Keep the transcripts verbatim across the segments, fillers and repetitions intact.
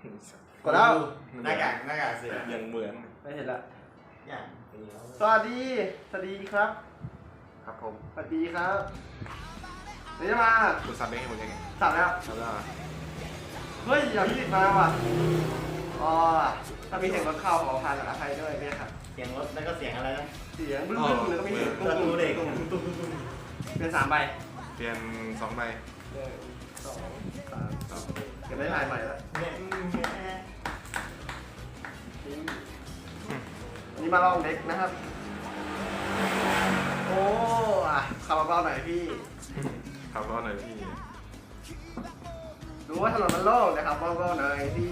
กดแล้วหน้ากากหน้ากากเสือยังเหมือนไม่เห็นละอย่างสวัสดีสวัสดีครับครับผมสวัสดีครับเดี๋ยวจะมาคุณซับได้ให้ผมยังไงสั่งแล้วซับแล้วเฮ้ยอย่าพี่มาว่ะอ๋อถ้ามีเสียงรถเข้าขอพานกับอภัยด้วยเนี่ยครับเสียงรถแล้วก็เสียงอะไรนะเสียงบึ้งบึ้งแล้วก็มีเสียงประตูเด็กเป็นสามใบเปลี่ยนสองใบหนึ่งสองสามสองเก็บได้ลายใหม่แล้วเนี่ยวันนี้มาลองเด็กนะครับโอ้อะขับเบาๆหน่อยพี่ครับก็หน่อยพี่รู้ว่าถนนมันโล่งนะครับเบาๆหน่อยพี่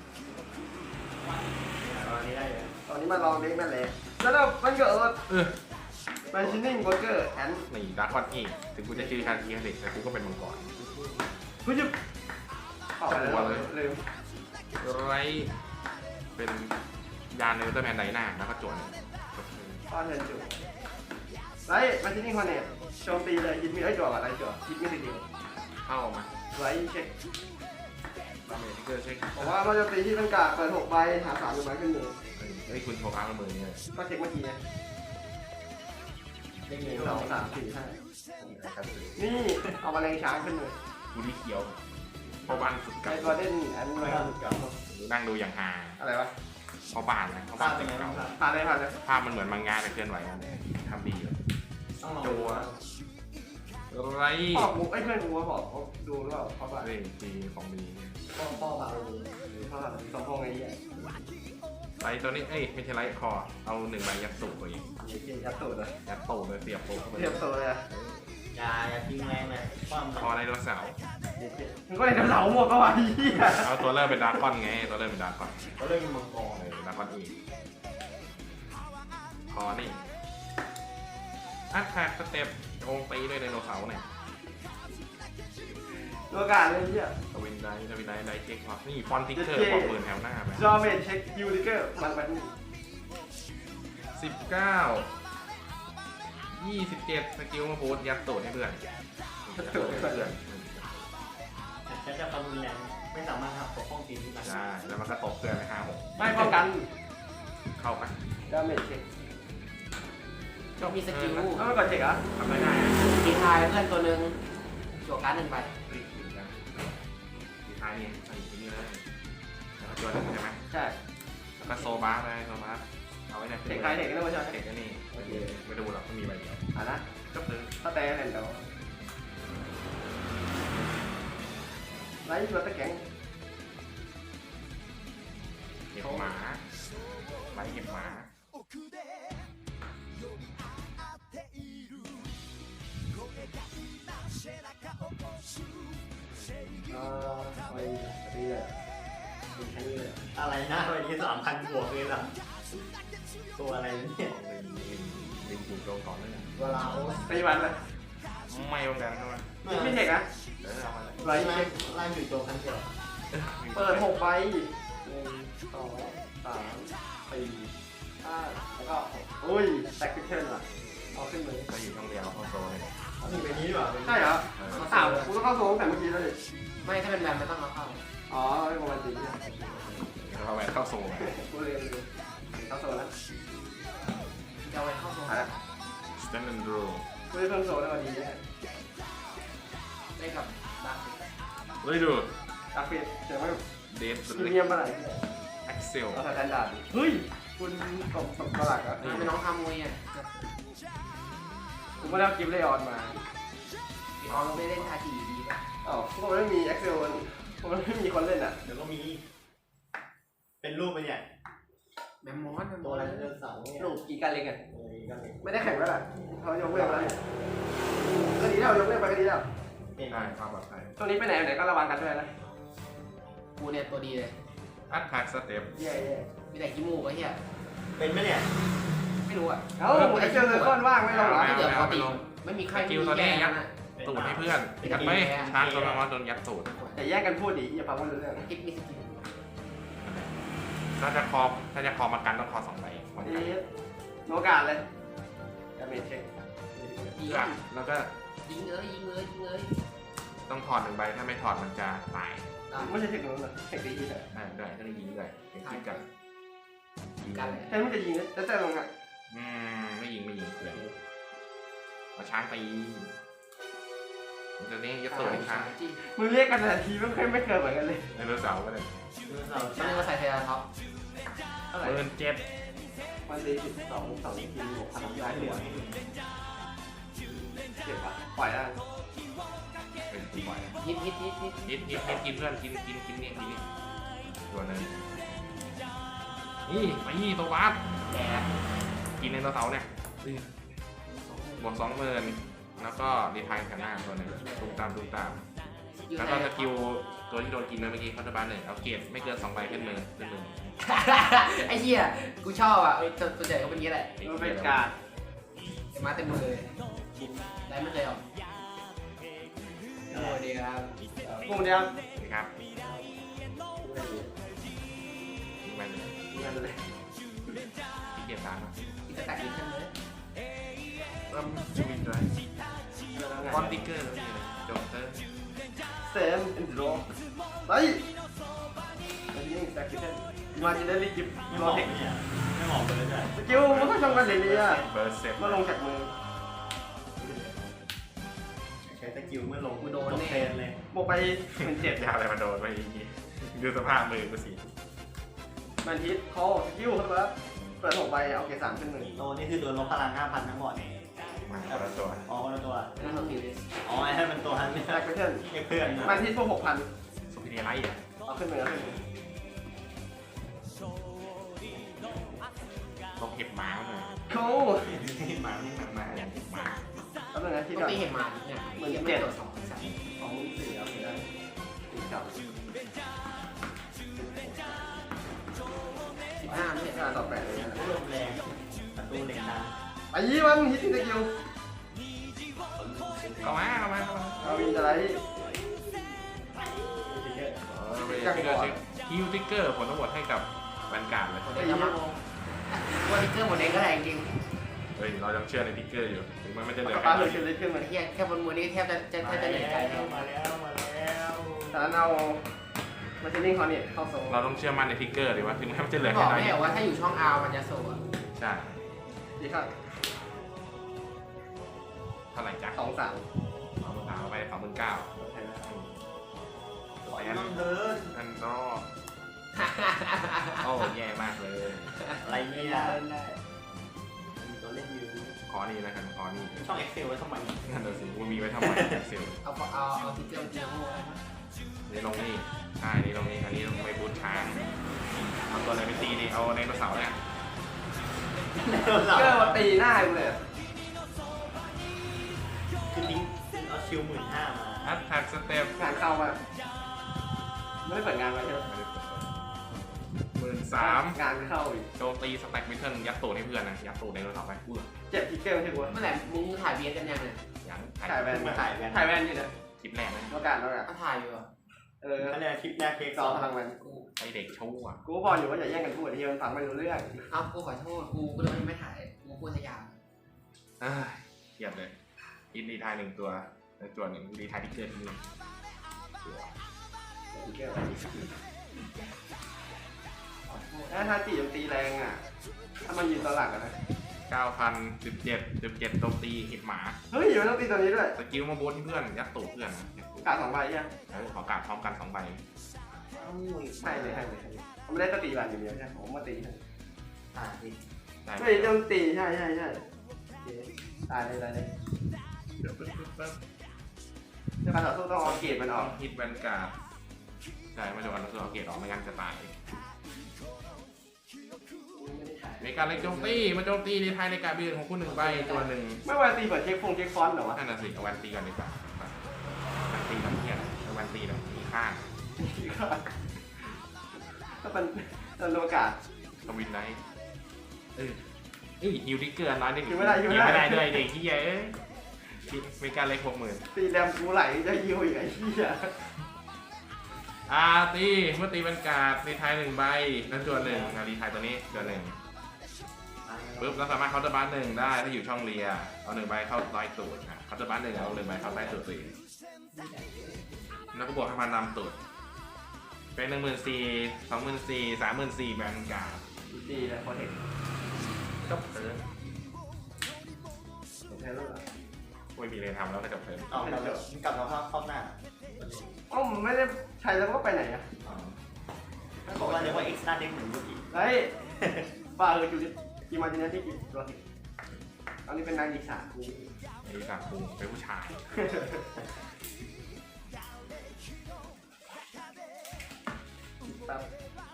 ตอนนี้ได้เลยตอนนี้มาลองเด็กนั่นแหละแล้วเรามันเกิดเออแมชชีนิ่งโบรกเกอร์แอนนี่ดาร์คอนอีกถึงกูจะชื่อคาทีคาเด็กแต่กูก็เป็นมังกรผู้จุบออกไปแล้วลืมไรเป็นยานในอุลตร้าแมนไดนาแล้วก็จวนป้อนเงินจุบไล่แมชชีนิ่งคอนเนตโจมตีเลยยิดมีไอ้จั่วกับอะไรจั่วยิดมีสิเดียวเข้ามาไล่เช็คดาเมจที่เกอร์เช็คบอกว่ามันจะตีที่เป็นกาเปิดหกใบหาสามหนึ่งใบขึ้นมือเฮ้ยคุณโชว์อาร์มมือเนี่ยก็เช็คเมื่อกี้ไงเด็กหหนึ่นึ่งงสสออง งสาสาม มสี่ห้านะครับนี่เอามาแรงช้างขึ้นมือกูที่เขียวพ่อบ้านสุดไอ้เก่าตัวเด่นอันนี้ไม่มาทำเก่านั่งดูอย่างฮาอะไรวะพ่อบ้านนะพ่อภาบ้าพนเป็นสุดไงบ้าเก่างครับผ่านเลยผ่านเลยภาพมันเหมือนมังงะแต่เคลื่อนไหวกันทำดีเลยต้องลองจัวไรพ่อกูไอ้เพื่อนกูมาบอกเขาดูหรือเปล่าเขาบอกเฮ้ยดีของดีพ่อพ่อมาดูเขาแบบสองพงไอ้เหี้ยไรตัวนี้เอ้ยไม่ใช่ไรคอเอาหนึ่งใบยัดสูบตัวเองเหี้ยยัดตูดเลยยัดโตเลยเสียบโตเข้าไปเทียบตัวเลยอะอย่าอย่าทิ้งแรงเลยความคอไดโนเสาร์มึงก็เลยจะเหลาหมดก็ว่าไอ้เหี้ยเอาตัวเริ่มเป็นดาร์คอนไงตัวเริ่มเป็นดาร์คอนเขาเล่นมังกรเออดาร์คอนอีกคอนี่อัดแท็กสเต็ปโงตีด้วยไดโนเสาร์เนี่ยตัวการเลยไอ้เหี้ยทวินไดทวินไดไดเช็คพอนี่ฟอนติกเกอร์บอกหมื่นแถวหน้าไปจอเมนเช็คยูนิเกอร์มันมันสิบเก้ายี่สิบเจ็ดสกิลมาโพสยัดโตให้เพื่อนยัดโตให้เพื่อนฉันจะประมูลแรงไม่สามารถทำปกป้องทีมที่ได้ใช่แล้วมันก็ตกเพื่อนไปห้าหกไม่ป้องกันเข้าไปจอเมนเช็คจบมีสกิลแล้วมันกดเช็คอ่ะทำไม่ได้ตีทายเพื่อนตัวหนึ่งจั่วการ์ดหนึ่งใบรีบกินกันสุดท้ายนี่ใส่ที่นี่เลยแล้วก็จวนหนึ่งใช่ไหมใช่แล้วก็โซบาร์ไปโซบาร์เอาไว้ในเช็คใครเช็คก็ไม่ใช่เด็กก็นี่โอเคไม่ดูหรอกไม่มีใบเดียวอ่ะนะก็คือถ้าแต่เล่นเดี๋ยวไล่ตัวตะแกงเก็บหมาไล่เก็บหมาอ่าไปตีเลยมีแค่นี้เลยอะไรนะวันนี้สามพันบวกเลยล่ะตัวอะไรเนี่ยลิงลิงถูกโดนก่อนเลยเวลาโอ้ตีมันเลยไม่เหมือนกันใช่ไหมไม่เช็คนะเออเอามาเลยไล่ไล่เช็คไล่ถึงตัวพันเดียวเปิดหกใบหนึ่งสองสามสี่ห้าแล้วก็หกอุ้ยแตกพิเทนว่ะเอาขึ้นเลยก็อยู่ช่องเดียวเข้าโซเลยเอาถึงไปนี้ดีกว่าใช่เหรออ้าวกูต้องเข้าโซ่ตั้งแต่เมื่อกี้แล้วดิไม่ถ้าเป็นแบนไม่ต้องเอาเข้าอ๋อไม่ประมาณสี่เนี่ยเราแหวนเข้าโซไงกูเรียนเลยเข้าโซ่แล้วจะเอาไว้เข้าโซนหายแล้วสแตนด์ดรูกูได้เพิ่มโซ่ได้วันนี้เนี่ยได้กับดาร์คเฮ้ยดูตักเปลี่ยนเดี๋ยวไม่เดฟพรีเมียมเมื่อไหร่แอ็กเซลเราใส่แตนดาร์ดเฮ้ยคุณตกตกตลาดอ่ะนี่เป็นน้องทำมวยอ่ะกูไม่ได้เอากิฟต์เลออนมาอ๋อเราไม่เล่นทาจีดีป่ะอ๋อพวกมันไม่มีเอ็กเซลพวกมันไม่มีคนเล่นอ่ะเดี๋ยวก็มี เป็นรูปไปเนี่ยแมมมอสแมมมตัอวสอะไรเดินเสาเนี่ยลูกกี่การเล่นกันเออก็เลยไม่ได้แข่งแล้วล่ะเขายกเลิกแล้วก็ดีแล้วยกเลิกไปก็ดีแล้วเป็นได้ความปลอดภัยช่วงนี้ไปไหนไหนก็ระวังกันด้วยนะกูเนี่ยตัวดีเลยอัดแท็กสเต็ปแย่มีแต่ขี้มูกไอ้เหี้ยเป็นไหมเนี่ยไม่รู้อ่ะๆเอ้าเอ็กเซลเลยก้อนว่างไม่ลงเหรอที่เหลือปกติไม่มีใครมีแย่นะตูดให้เพื่อนยัดไปชาร์จตัวมาโดนยัดตูดแต่แยกกันพูดดิอย่าฟังว่ารู้เรื่องคิดมีสกิลถ้าจะคอถ้าจะคอมากันต้องคอสองใบมันกันนี่โนกาสเลยดาเมจเช็คยิงแล้วก็ยิงเลยยิงเลยยิงเลยต้องถอดหนึ่งใบถ้าไม่ถอดมันจะตายอไม่ใช่เทคโนโลยีเทคโนโลยีแต่อ่าได้ก็ได้ยิงด้วยเป็นคิดกันยิงกันเลยแทนมันจะยิงนะแล้วแต่ลงอ่ะอืมไม่ยิงไม่ยิงเลยเอาช้างตีมันจะนี้ยัดตัวให้ช้างจี้มึงเรียกกันแต่ทีไม่เคยไม่เคยเหมือนกันเลยไดโนเสาร์ก็ได้ไม่ได้มาใส่เทราท็อปเท่าไหร่เบิร์นเจ็ดวันดีสิบสองสองทีบวกพลังได้หัวเจ็บอ่ะปล่อยได้เป็นตีบ่อยฮิตฮิตฮิตฮิตนิดนิดนิดกินเพื่อนกินกินกินนี่กินนี่ตัวนึงนี่ไปนี่ตัววัดแกกินไดโนเสาร์เนี่ยบวกสองหมื่นแล้วก็ดีไทายกันหน้าตัวหนึงตูมตามตูมตามแล้วก็สกิลตัวที่โดนกินเมื่อกี้เขาจะบ้านหนึ่งเอาเกรดไม่เกินสองใบขึ้นมือขึ้นมือไอ้เหี้ยกูชอบอ่ะตัวใหญ่ก็เป็นงี้แหละมันเป็นการไอ้มาเต็มมือเลยได้ไม่เคยออกโอ้ดีครับกลุ่มเดียวนะครับทิ้งไปเลยกันเลยที่เกียรตามนะอีกแต่อีกขึ้นเลยเริ่มชวินด้วยบอลติ๊กเกอร์แล้วนี่เลยโจเตอร์เซมอินโดไปอันนี้แซคคิเทนมาจินได้รีกิฟไม่รบออกเทคเนี่ยไม่บอกเลยจ้ะสกิลมันก็ชงกันเลยเนี่ยเบอร์เซ็ตมาลงจากมือใช้สกิลเมื่อลงกูโดนตกแน่เทนเลยบวกไปหมื่นเจ็ดยาวอะไรมาโดนไปอีกดูสภาพมือกูสิมันฮิตคอสกิลครับ เปิดหกใบเอาเกรดสามขึ้นหนึ่งโตนี่คือโดนลบพลังห้าพันทั้งหมดมาคนละตัวอ๋อคนละตัวนั่นคือฟิวอ๋อไอ้ให้มันตัวนั้นไม่แซคคิเทนใช่เพื่อนมันฮิตพวกหกพันสุพิเนียไลท์อ่ะเอาขึ้นมือเอาขึ้นมือลงเห็บหมาเลยโค้หมานี่หมาหมาอย่างเห็บหมาแป๊บนึงนะที่ปก่กอนติเห็นมาเนี่ยยังไม่ตัวสองสามสองสี่เอาไปได้ติดกับสิบห้าไม่เห็นห้าต่อแปดเลยนะลมแรงประตูเหล็กดังไปยี่มันฮิตสกิลเข้ามาเข้ามาเข้ามาเอาวินจะไรเออไปชื่อชื่อฮิวติ๊กเกอร์ผลทั้งหมดให้กับแวนการ์ดเลยหมดเองครับว่าติ๊กเกอร์หมดเองก็แรงจริงเฮ้ยเรายังเชื่อในติ๊กเกอร์อยู่ถึงมันไม่จะเหลือปลาแค่เลยขึ้นเลยขึ้นมาไอ้เหี้ยแค่บนมือนี้แทบจะจะแทบจะเหนื่อยใจแล้วมาแล้วมาแล้วจากนั้นเอามาชินิ่งคอนเนตเข้าโซ่เราต้องเชื่อมั่นในติ๊กเกอร์ดีว่าถึงแม้มันจะเหลือบแค่อกน้อยไม่นิเหรดอว่าถ้าอยู่ช่องอาร์มันจะโซ่ใช่ดีครับเท่าไหร่จ๊ะสองสามสองหมื่นสามไปสองหมื่นเก้าปล่อยให้มันเดินนั่นก็โอ้แย่มากเลยอะไรเนี่ยมีตัวเล่นอยู่ขอนี่แล้วกันขอนี่ช่อง Excel ไว้ทำไมนั่นน่ะสิมันมีไว้ทำไมเซลล์เอาเอาเอาติ๊กเกอร์จริงโง่นี่ลงนี่ใช่นี่ลงนี่อันนี้ลงไปบูทช้างเอาตัวอะไรไปตีนี่เอาไดโนเสาร์เนี่ยเกอร์มาตีหน้ากูเลยคือลิงก์เอาคิวหมื่นห้ามาอัพแท็กสเต็ปงานเข้ามาไม่ได้เปิดงานมาใช่ไหมหมื่นสามงานเข้าอีกโจมตีสแต็กมิทเทิลยัดตูดให้เพื่อนนะยัดตูดไดโนเสาร์ไปเพื่อเจ็บทิกเกอร์ไม่ใช่กูเมื่อไหร่มึงถ่ายเบียร์กันยังเนี่ยยังถ่ายแวนมาถ่ายแวนถ่ายแวนอยู่นะคลิปแรกนะโอกาสโอกาสก็ถ่ายอยู่อ่ะเออคะแนนคลิปแรกเทคซสอองพลังแวนกูไอเด็กชั่วกูพออยู่ว่าอย่าแย่งกันพูดที่มันฟังไม่รู้เรื่องเอ้ากูขอโทษกูกูเลยไม่ถ่ายกูพูดสยามเอ้ยเกียดเลยอินดีไทายหนึ่งตัวในตัวหนึ่งดีไทายที่เกิดที่นี่ตัวทิกเกอร์ถ้าถ้าตีมันตีแรงอ่ะ ถ้ามันยืนตอนหลังอะนะเก้าพันสิบเจ็ดสิบเจ็ดโจมตีเห็บหมาเฮ้ยมันต้องตีตัวนี้ด้วยสกิลมาโบนที่เพื่อนยัดตูดเพื่อนนะยัดตูดกาสองใบยังแล้วขอกาดพร้อมกันสองใบให้เลยให้เลยผมไม่ได้ตีบัตรอย่างเดียวใช่ผมมาตีให้อ่าดิได้ไม่ต้องตีใช่ใช่ใช่ตายเลยตายเลยเดี๋ยวปึ๊บปึ๊บปึ๊บจะการต่อสู้ต้องเอาเกรดมันออกฮิตแวนการ์ดใช่มาดูอันตัวเอาเกรดออกไม่งั้นจะตายในการเล็กโจมตีมาโจมตีในไทยในการเบียนของคุณหนึ่งใบตัวหนึ่งไม่วันตีเปิดเช็คฟงเช็คฟอนต์เหรอวะนั่นน่ะสิเอาวันตีก่อนดีกว่าวันตีแบบเนี้ยเอาวันตีแบบมีข้างถ้าเป็นเป็นโอกาสทวินไนท์เออเอ้ยฮิวดิเกอร์น้อยนิดฮิวไม่ได้ฮิวไม่ไม่ได้ได้ด้วยเด็กที่ใหญ่เอ้ยมีการเล็กหกหมื่นตีแรมกูไหลจะยิวอีกไอ้เหี้ยอาตีเมื่อตีเป็นการ์ดในไทยหนึ่งใบนั่นตัวหนึ่งนารีไทยตัวนี้ตัวหนึ่งปุ๊บเราสามารถเคาน์เตอร์บัสหนึ่งได้ถ้าอยู่ช่องเรียเอาหนึ่งใบเข้าใต้ตูดนะเคาน์เตอร์บัสหนึ่งเอาหนึ่งใบเข้าใต้ตูดสี่แล้วก็บวกให้มันนำตูดเป็นหนึ่งหมื่นสี่สองหมื่นสี่สามหมื่นสี่แบนการ์ดดีนะโคเทคจบเทิร์นใช่แล้วเหรอไม่มีอะไรทำแล้วก็จบเทิร์นเอากลับแล้วกลับมาภาพครอบหน้าเอ้าไม่ได้ใช้แล้วก็ไปไหนอ่ะเพราะว่าเรียกว่า extra deck เหมือนเมื่อกี้เฮ้ยบ้าเอออยู่ดิกีมาจินเนที่กี่ตัวสิตอนนี้เป็นนายอีกสามกูดูจากกูเป็นผู้ชายแป๊บ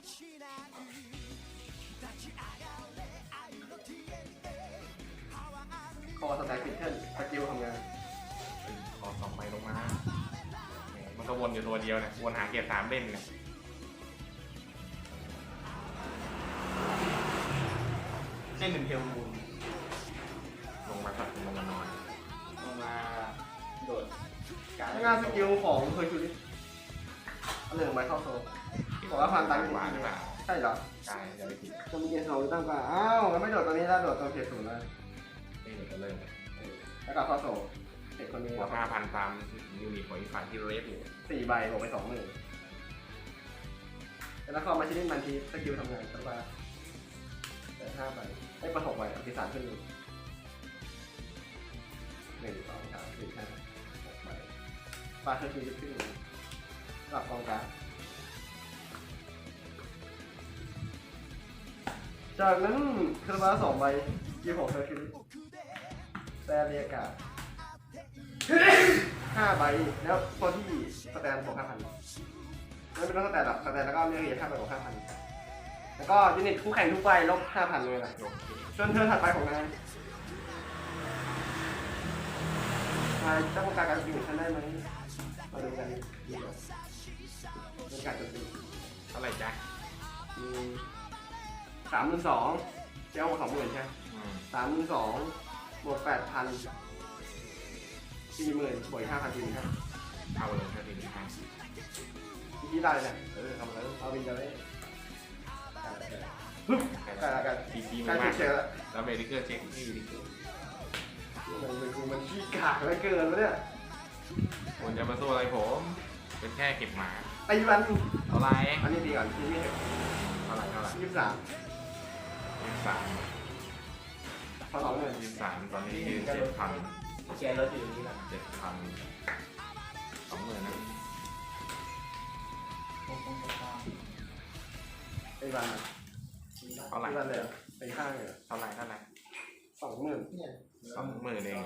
คอสแต็กพิทเทิลสกิลทำงานขอสองใบลงมาแหมมันก็วนอยู่ตัวเดียวเนี่ยวนหาเกียร์สามเล่นเนี่ยให้หนึ่งเทลมูลลงมาสักลงมานอนลงมาโดดการงานสกิลของเคยชูดิเอาหนึ่งใบเข้าโซ่บอกว่าพันตังค์หวานหรือเปล่าใช่เหรอใช่จะได้ผิดจะมีเกณฑ์สองตั้งกว่าอ้าวแล้วไม่โดดตัวนี้แล้วโดดตัวเพจศูนย์เลยนี่เดี๋ยวจะเริ่มแล้วก็เข้าโซ่เด็กคนนี้บวกห้าพันตามยูนิตของอีกฝ่ายที่เรฟอยู่สี่ใบบวกไปสองหมื่นแล้วเข้ามาชิ้นมันทีสกิลทำงานสักว่าแต่ห้าใบไอ้ประหกใบเอาที่สามขึ้นหนึ่งสองสามสี่ห้าหกใบปลาเธอทีขึ้นหลับกองกลางจากนั้นคาราบาสองใบยี่หกเธอคือแต่เรียกาห้าใบแล้วตัวที่สแตนบวกห้าพันไม่เป็นต้องสแตนหรอกสแตนแล้วก็เรียกเรียกห้าใบบวกห้าพันแล้วก็ยูนิตคู่แข่งทุกใบลบห้าพันเลยนะโอเคจนเธอถัดไปของนายนายต้องการการอยู่ฉันได้ไหมมาดูกันดีกว่าเป็นการจะตีเท่าไหร่จ๊ะสามหมื่นสองเจ้าสองหมื่นใช่ไหมอืมสามหมื่นสองบวกแปดพันสี่หมื่นบวกห้าพันสี่หมื่นห้าเอาเลยถ้าดีให้อีกที่ได้เนี่ยเออทำแล้วเอาวินจะได้ปึ๊บได้แล้วกันทีซีใกล้มากเช็คแล้วแล้วเมดิเกอร์เช็คที่ดีที่สุดมันเป็นกูมันขี้กากเหลือเกินวะเนี่ยควรจะมาสู้อะไรผม เป็นแค่เก็บหมาตีวันเท่าไหรอันนี้ดีก่อนที่นี่เท่าไหรเท่าไหรยี่สิบสามยี่สิบสามพอสองเงินยี่สิบสามตอนนี้ยืนเจ็ดพันแกรถอยู่ตรงนี้แหละเจ็ดพันสองหมื่นนะไอ้วันเท่าไหร่ไอ้วันเลยไปข้างเลยเท่าไหรเท่าไหรสองหมื่นสองหมื่นเอง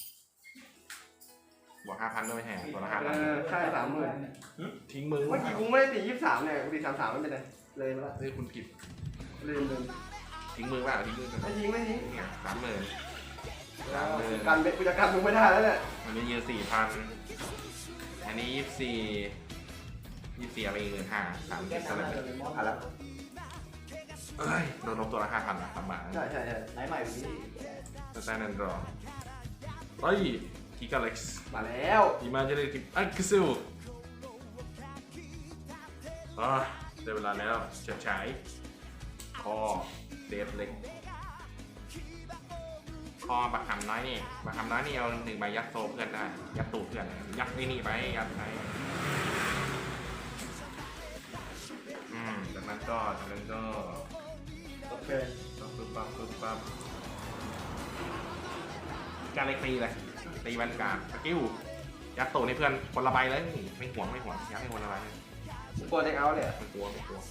บวกห้าพันด้วยแห่ตัวละห้าเอพันอใช่สามหมื่นทิ้งมือเมื่อกี้กูไม่ได้ตียี่สิบสามเนี่ยกูตีสามสามไม่เป็นไรเลยมาละเฮ้ยคุณผิดลืมลืมทิ้งมือเปล่าทิ้งมือกันไม่ทิ้งไม่ทิ้งนี่ไงสามหมื่นสามหมื่นการเบ็ดกูจะกันมึงไม่ได้แล้วเนี่ยอันนี้ยืนสี่พันอันนี้ยี่สิบสี่ยี่สิบสี่อะไรอีกหมื่นห้าสามสิบเท่าไหร่อ่ะแล้วเอ้ยโดนลบตัวละห้าพันนะสามบาทใช่ใช่ใช่ไหนใหม่วันนี้สแตนด์ดรอเฮ้ยกิกาเล็กซ์มาแล้วอีมาเจเนติฟอักซิลอ่ะได้เวลาแล้วเฉิดฉายคอเดฟเล็กคอบักคำน้อยนี่บักคำน้อยนี่เอาหนึ่งใบยัดโซเพื่อนได้ยัดตูดเพื่อนยัดนี่นี่ไปยัดไปอืมจากนั้นก็จากนั้นก็ก็เกินปั๊บปึ๊บปั๊บปึ๊บปั๊บการเล็กตีเลยตีแวนการ์ดสกิลยัดตูดให้เพื่อนคนละใบเลยไม่ห่วงไม่ห่วงยัดให้คนละใบเลยกลัวเด็กเอาเลยไม่กลัวไม่กลัว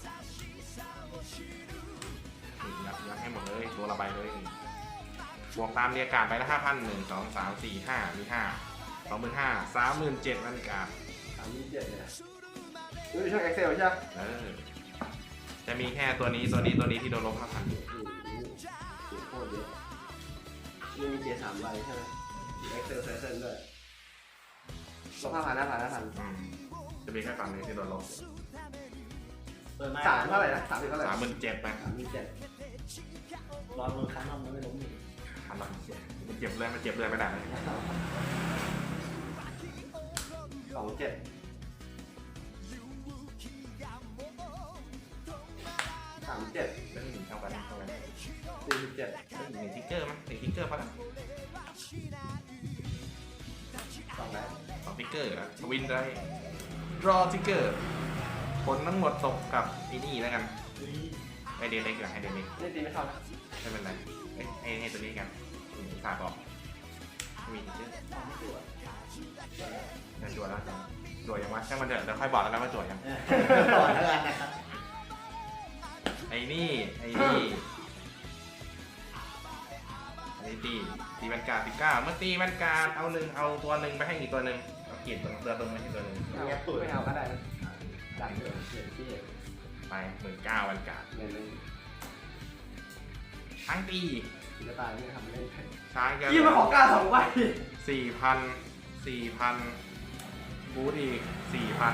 นี่ยัดยัดให้หมดเลยตัวละใบเลยบวกตามเรียกการ์ดไปละห้าพันหนึ่งสองสามสี่ห้ามีห้าสองหมื่นห้าสามหมื่นเจ็ดแวนการ์ดสามยี่สิบเจ็ดเนี่ยดูช่อง Excel ใช่ไหมเออจะมีแค่ตัวนี้ตัวนี้ตัวนี้ที่โดนลบห้าพันโคตรเยอะนี่มีเกียร์สามใบใช่ไหม Excel เซนด้วยลบห้าพันห้าพันห้าพันอืมจะมีแค่ฝั่งนี้ที่โดนลบเปิดมาสามเท่าไหร่นะสามสิบเท่าไหร่สามหมื่นเจ็ดไปสามยี่สิบเจ็ดรอมือคั้นนมมันไม่ล้มอยู่พันละมันเจ็บเลยมันเจ็บเลยไม่ได้เลยสองเจ็ดสามเจ็ดเรื่องหนึ่งเท่ากันเท่ากันสี่สิบเจ็ดเรื่องหนึ่งทิกเกอร์มั้ยหนึ่งทิกเกอร์พอแล้วสองแล้วสองทิกเกอร์อะทวินได้รอทิกเกอร์ผลทั้งหมดตกกับไอ้นี่แล้วกันไอเดนเล็กกับไอเดนเล็กนี่ตีไม่เข้านะไม่เป็นไรเอ้ยให้ให้ตัวนี้กันอืมฝากบอกไม่มีชื่อไม่ตัวจะจวดแล้วจวดยังวะช่างมันเถอะเดี๋ยวค่อยบอกแล้วกันว่าจวดยังต่อแล้วกันนะครับไอ้นี่ไอ้นี่ไอ้ตีตีแวนการ์ดสิบเก้าเมื่อตีแวนการ์ดเอาหนึ่งเอาตัวหนึ่งไปให้อีกตัวหนึ่งเอาเกียรติตัวเรือตรงไปที่ตัวหนึ่งเอาไม่เอาก็ได้นะดันเลยเขียนที่ไปหมื่นเก้าแวนการ์ดเงินเลยทั้งตีศิลปะนี่ทำเล่นช้างกันยี่มาของกล้าสองใบสี่พันสี่พันบูธอีกสี่พัน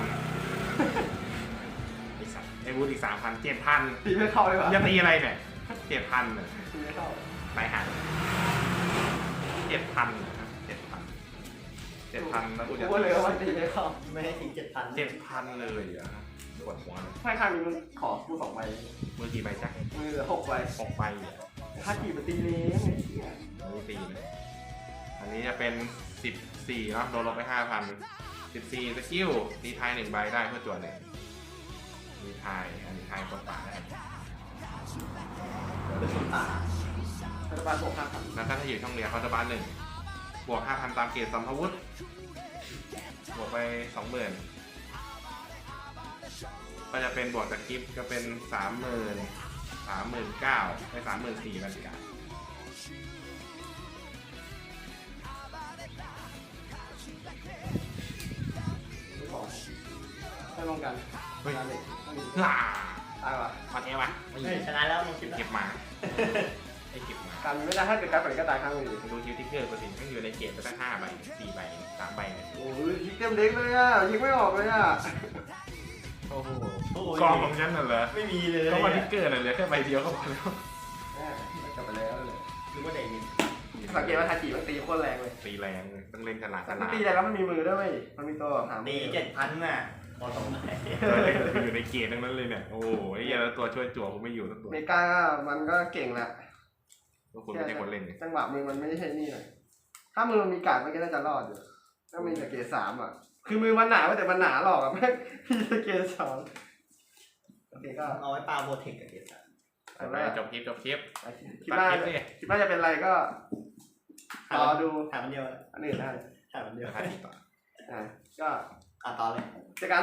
ไอ้สัตว์ไอ้บูธอีกสามพันเจ็ดพันตีไม่เข้าเลยว่ะจะตีอะไรเนี่ยเจ็ดพันเนี่ยตีไม่เข้าไปหาเจ็ดพันเจ็ดพันเจ็ดพันแล้วกูจะกูเลยว่าตีไม่เข้าไม่ให้ถึงเจ็ดพันเจ็ดพันเลยอ่ะปวดหัวเลยให้ข้างนี้มึงขอกูสองใบมือกี่ใบจ๊ะมือเหลือหกใบหกใบอ่ะถ้ากี่มันตีเลี้ยงไอ้เหี้ยอันนี้ตีเลยอันนี้จะเป็นสิบสี่เนาะโดนลบไปห้าพันสิบสี่สกิลตีทายหนึ่งใบได้เพื่อจวดเลยตีทายอันนี้ทายกดป่าได้เป็นคนป่ารัฐบาลบวกห้าพันแล้วถ้าอยู่ช่องเรียนเขาจะบ้านหนึ่งบวกห้าพันตามเกรดสัมภวุธบวกไปสองหมื่นก็จะเป็นบวกจากกิฟต์ก็เป็นสามหมื่นสามหมื่นเก้าไปสามหมื่นสี่บรรยากาศไม่พอให้ลงกันเฮ้ยงานเหล็กฮ่าตายว่ะมาเทวะไม่เฮ้ยชนะแล้วลงคลิปแล้วเก็บมาไอ้เก็บมาการไม่ได้ถ้าเกิดการผลิตก็ตายข้างเลยดูคิวทิกเกอร์ปกติต้องอยู่ในเกรดไปตั้งห้าใบสี่ใบสามใบเนี่ยโอ้ยยิงเต็มเด็กเลยอ่ะยิงไม่ออกเลยอ่ะโอ้โหโอ้ยกองของฉันน่ะเหรอไม่มีเลยก็มาทิกเกอร์น่ะเหลือแค่ใบเดียวก็พอแล้วแม่กลับไปแล้วเลยหรือว่าเด็กมีสังเกตว่าทาจิมันตีโคตรแรงเลยตีแรงเลยต้องเล่นฉลาดฉมัลาน ดตีแรงแล้วมันมีมือด้วยเว้ยมันมีตัวหางตีเจ็ดพันน่ะพอตรงไหนอยู่ในเกตทั้งนั้นเลยเนี่ย โอ้โหไอ้เหี้ยแล้วตัวช่วยจั่วผมไม่อยู่ทั้งตัวเมกามันก็เก่งแหละพวกคุณไม่ใช่คนเล่นไงจังหวะมือมันไม่ใช่นี่เลยถ้ามือมันมีการ์ดมันก็น่าจะรอดอยู่ถ้ามีแต่เกรดสามอ่ะคือมือมันหนาแต่มันหนาหรอกอ่ะแม่งมีแต่เกรดสองโอเคก็เอาไว้ปาโบเทคกับเกสไปไปจบคลิปจบคลิปคิดตัดว่าคลิปดิคิดว่าจะเป็นอะไรก็รอดูถามมันเดียวอันอื่นได้ถามมันเดียวถ่ายต่ออ่ะก็อ่ะต่อเลยเจอกัน